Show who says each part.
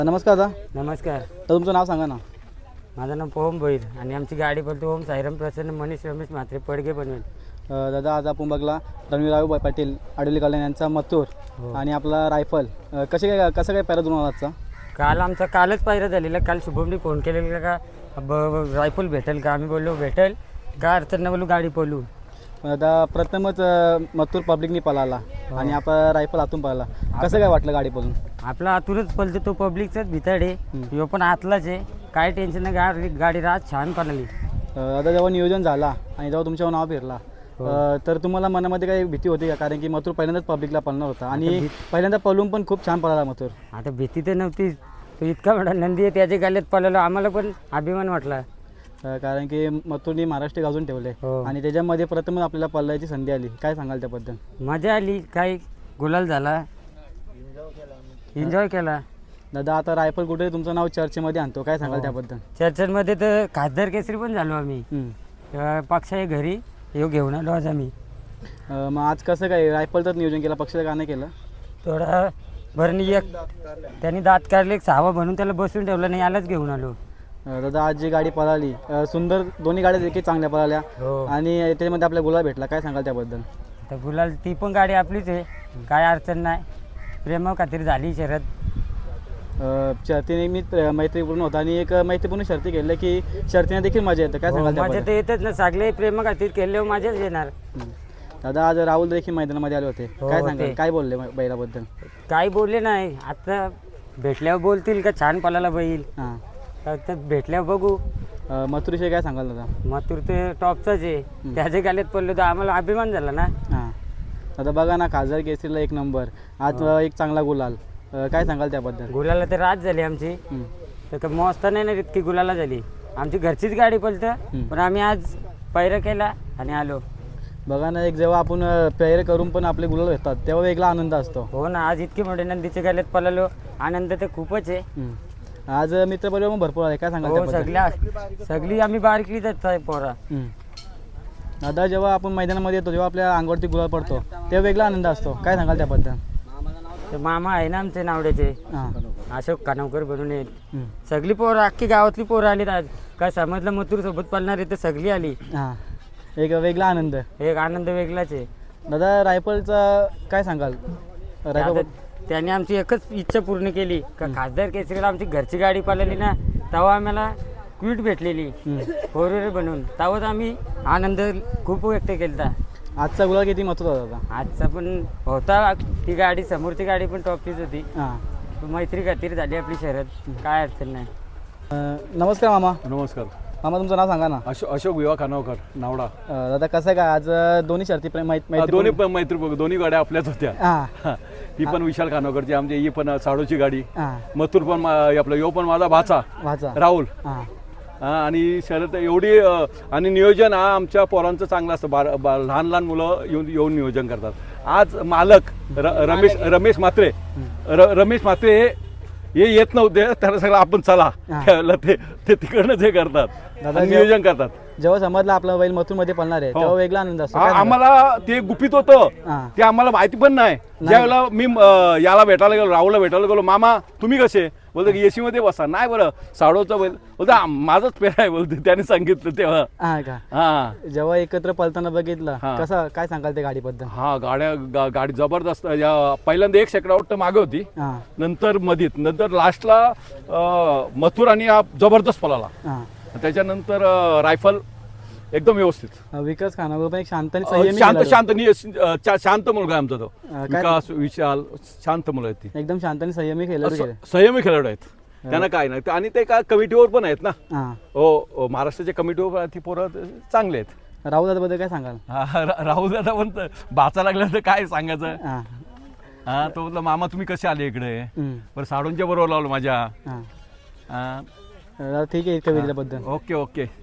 Speaker 1: नमस्कार दादा.
Speaker 2: नमस्कार.
Speaker 1: तर तुमचं नाव सांगा ना.
Speaker 2: माझं नाव पोहम भोईर आणि आमची गाडी बोलतो ओम साईराम प्रसन्न मनीष रमेश म्हात्रे पडगे बनवेल.
Speaker 1: दादा आज आपण बघला रणवीरराव पाटील आडोली कल्याण यांचा मथुर आणि आपला रायफल कसं काय पॅरा जुळून आजचा.
Speaker 2: कालच पायरा झालेला. काल शुभमने फोन केलेला का रायफल भेटेल का. आम्ही बोललो भेटेल का अडचण नाही बोलू गाडी पळू.
Speaker 1: दादा प्रथमच मथुर पब्लिकनी पळाला आणि आपला रायफल आतून पळाला. कसं काय वाटलं गाडी पळून.
Speaker 2: आपला आतूनच पळतो तो पब्लिकचाच भिताड आहे. ह्यो पण आतलाच आहे. काय टेन्शन नाही. गाडी रात छान पळाली.
Speaker 1: दादा जेव्हा नियोजन झाला आणि जेव्हा तुमच्यावर नाव फिरला तर तुम्हाला मनामध्ये काही भीती होती का. कारण की मथुर पहिल्यांदाच पब्लिकला पळणार होता आणि पहिल्यांदा पळून पण खूप छान पळाला मथुर.
Speaker 2: आता भीती तर नव्हती. तो इतका मोठा नंदी आहे त्याच्या गाल्यात पळालो. आम्हाला पण अभिमान वाटला.
Speaker 1: कारण की मथुरनी महाराष्ट्र गाजून ठेवले आणि त्याच्यामध्ये प्रथमच आपल्याला पळायची संधी आली. काय सांगाल त्याबद्दल.
Speaker 2: मजा आली. काय गुलाल झाला. एन्जॉय केला.
Speaker 1: दादा आता रायफल कुठे तुमचं नाव चर्चेमध्ये आणतो. काय सांगाल त्याबद्दल.
Speaker 2: चर्चेमध्ये तर खासदार केसरी पण झालो आम्ही. पक्षाच्या घरी येऊ घेऊन आलो आज आम्ही.
Speaker 1: मग आज कसं काय रायफलचंच नियोजन केलं पक्षाचं का नाही केलं.
Speaker 2: थोडा भरणी एक त्यांनी दात काढले 6 म्हणून त्याला बसून ठेवलं नाही. यालाच घेऊन आलो.
Speaker 1: दादा आज जी गाडी पळाली सुंदर दोन्ही गाड्या देखील चांगल्या पळाल्या आणि त्याच्यामध्ये आपल्या गुलाल भेटला. काय सांगाल त्याबद्दल.
Speaker 2: तर गुलाल ती पण गाडी आपलीच आहे. काय अडचण नाही. प्रेमा खातीर झाली शर्यत.
Speaker 1: शर्तीने मी मैत्रीपूर्ण होता आणि एक मैत्रीपूर्ण शर्ती केली की शर्तीने देखील मजा येतं. काय सांगाल
Speaker 2: माझ्या तर येतच ना. सगळे प्रेमा खातीर केले माझ्याच येणार.
Speaker 1: दादा आज राहुल देखील मैदानामध्ये आले होते. काय सांगाल काय बोलले बैलाबद्दल.
Speaker 2: काय बोलले नाही. आता भेटल्यावर बोलतील का छान पळाला बैल.
Speaker 1: हां
Speaker 2: तर भेटल्यावर बघू.
Speaker 1: मथुरविषयी काय सांगाल दादा.
Speaker 2: मथुर ते टॉपचाच आहे. त्याच्या गाल्यात पडलो तर आम्हाला अभिमान झाला ना.
Speaker 1: हां आता बघा ना खासदार केसरीला 1 नंबर आज एक चांगला गुलाल. काय सांगाल त्याबद्दल.
Speaker 2: गुलाला तर रात झाली आमची. तर मस्त नाही ना इतकी गुलाला झाली. आमची घरचीच गाडी पळतं पण आम्ही आज पैरा केला आणि आलो.
Speaker 1: बघा ना एक जेव्हा आपण पैरे करून पण आपले गुलाल भेटतात तेव्हा वेगळा आनंद असतो.
Speaker 2: हो ना. आज इतकी मोठे नंदीच्या गाल्यात पळालो. आनंद तर खूपच आहे.
Speaker 1: आज मित्रपरिवार पण भरपूर आहे. काय सांगाल
Speaker 2: त्याबद्दल. सगळी आम्ही बारकीच आहे पोरा.
Speaker 1: दादा जेव्हा आपण मैदानामध्ये येतो जेव्हा आपल्या अंगावरती गुलाल पडतो तेव्हा वेगळा आनंद असतो. काय सांगाल त्याबद्दल.
Speaker 2: तर मामा आहे ना आमचे नावड्याचे अशोक कानवकर बनून येत. सगळी पोरं अख्खी गावातली पोरं आली आज. काय समजलं मथुर सोबत पळणार आहे तर सगळी आली.
Speaker 1: एक वेगळा आनंद.
Speaker 2: एक आनंद वेगळाच आहे.
Speaker 1: दादा रायफलचा काय सांगाल.
Speaker 2: त्याने आमची एकच इच्छा पूर्ण केली का खासदार केसरीला आमची घरची गाडी पळाली ना तेव्हा आम्हाला क्विट भेटलेली 4 व्हीलर बनवून. तेव्हाच आम्ही आनंद खूप व्यक्त केला.
Speaker 1: आजचा गुलाल किती महत्त्वाचा होता.
Speaker 2: आजचा पण होता. ती गाडी समोरची गाडी पण टॉपचीच होती. मैत्री खातीर झाली आपली शर्यत. काय अडचण नाही.
Speaker 1: नमस्कार मामा.
Speaker 3: नमस्कार
Speaker 1: मामा तुमचं नाव सांगा ना.
Speaker 3: अशोक विवा खानावकर नावडा.
Speaker 1: दादा कसं काय आज दोन्ही शर्ती
Speaker 3: दोन्ही गाड्या आपल्याच होत्या. ही पण विशाल खानावकरची आमची. ही पण साडोची गाडी. मथुर पण आपला यो पण माझा भाचा राहुल. आणि शर्यत एवढी आणि नियोजन हा आमच्या पोरांचं चांगलं असतं. लहान लहान मुलं येऊन नियोजन करतात. आज मालक रमेश म्हात्रे हे येत नव्हते. त्याला सगळं आपण चला ते तिकडनं हे करतात नियोजन करतात.
Speaker 1: जेव्हा समजलं आपला बैल मथुरमध्ये पळणार आहे तेव्हा वेगळा आनंद असतो.
Speaker 3: आम्हाला ते गुपित होतं. ते आम्हाला माहिती पण नाही. ज्यावेळेला मी याला भेटायला गेलो राहुलला भेटायला गेलो मामा तुम्ही कसे बोलतो की एसी मध्ये बसा. नाही बरं साडोचा बैल बोलतो माझाच पेर आहे बोलते त्याने सांगितलं तेव्हा.
Speaker 1: जेव्हा एकत्र पळताना बघितलं कसं काय सांगाल त्या गाडीबद्दल.
Speaker 3: गाडी जबरदस्त. पहिल्यांदा 1 सेकंड आउट मागे होती. नंतर मधीत नंतर लास्टला मथुर आणि जबरदस्त पळाला. त्याच्यानंतर रायफल एकदम व्यवस्थित.
Speaker 1: विकास खानावर पण एक शांत
Speaker 3: मुलगा आहे आमचा तो. विकास विशाल शांत मुलं आहेत. ती
Speaker 1: एकदम शांत आणि संयमी
Speaker 3: खेळाडू आहेत. त्यांना काय नाही. आणि ते काय कमिटीवर पण आहेत ना. हो महाराष्ट्राच्या कमिटीवर ती पोरं चांगले आहेत.
Speaker 1: राहुल दादा बद्दल काय सांगाल.
Speaker 3: राहुल दादा पण भाचा लागला तर काय सांगायचं. तो म्हटलं मामा तुम्ही कसे आले इकडे. बरं साडूंच्या बरोबर लावलं माझ्या.
Speaker 1: ठीक आहे. बद्दल
Speaker 3: ओके.